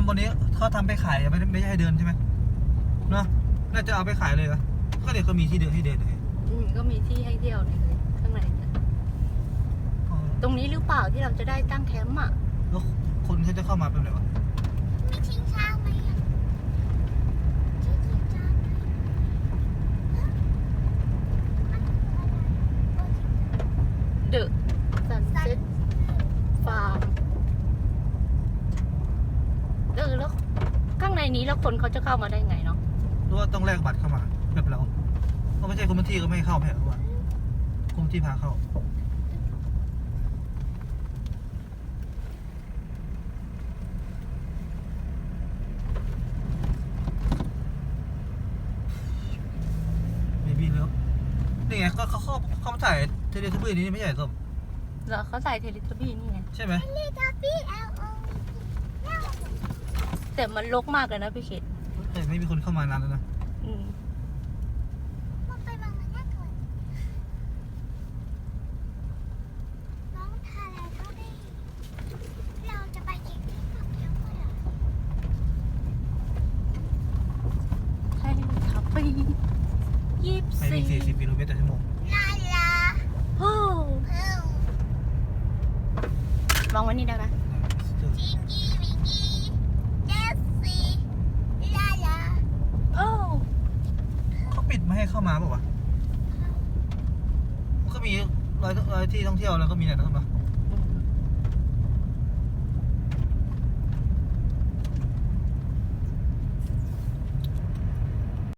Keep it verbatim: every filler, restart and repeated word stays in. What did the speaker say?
ำบนนี้เขาทำไปขายไม่ไม่ใช่ให้เดินใช่ไหมเนาะน่าจะเอาไปขายเลยเหรอก็เดี๋ยวก็มีที่เดินให้เดินเลยอืมก็มีที่ให้เที่ยวเลยข้างในเนี่ยตรงนี้หรือเปล่าที่เราจะได้ตั้งแคมป์อ่ะแล้วคนเขาจะเข้ามาเป็นไงวะไม่ทิ้งช้างไหมอ่ะที่ทิ้งช้างไหมฮะมันคืออะไรโอ้ยเดอะซันเซ็ตฟาร์มเออแล้วข้างในนี้แล้วคนเขาจะเข้ามาได้ไงเนาะหรือว่าต้องแลกบัตรเข้ามาแบบเราก็ไม่ใช่คนพื้นที่ก็ไม่ให้เข้าแผลว่าคนพื้นที่พาเข้าไม่บินแล้วนี่ไงก็เขาเข้าเขามาถ่ายเทเลทับบี้นี้ไม่ใช่ส้มแล้วเขาใส่เทเลทบี้นี่ไงใช่ไหมเลทับบี้เอลโอแต่มันรกมากเลยนะพี่เขตแต่ไม่มีคนเข้ามานานแล้วนะอืมมันไปบางมันน่ากลัวน้องทาอะไรก็ได้เราจะไปเก็บที่ฝักเลี้ยงเลยเหรอใช่ครับปียี่สิบไปวิ่สี่งสี่สิบกิโลเมตรต่อชั่วโมงลาลาโอ้เพิ่มวางไว้นี่ได้ไหมจิงกี้วิงกี้เจสซี่ลาลาโอ้เขาปิดไม่ให้เข้ามาเปล่าวะมันก็มีรอยรอยที่ท่องเที่ยวแล้วก็มีอะไรนะครับ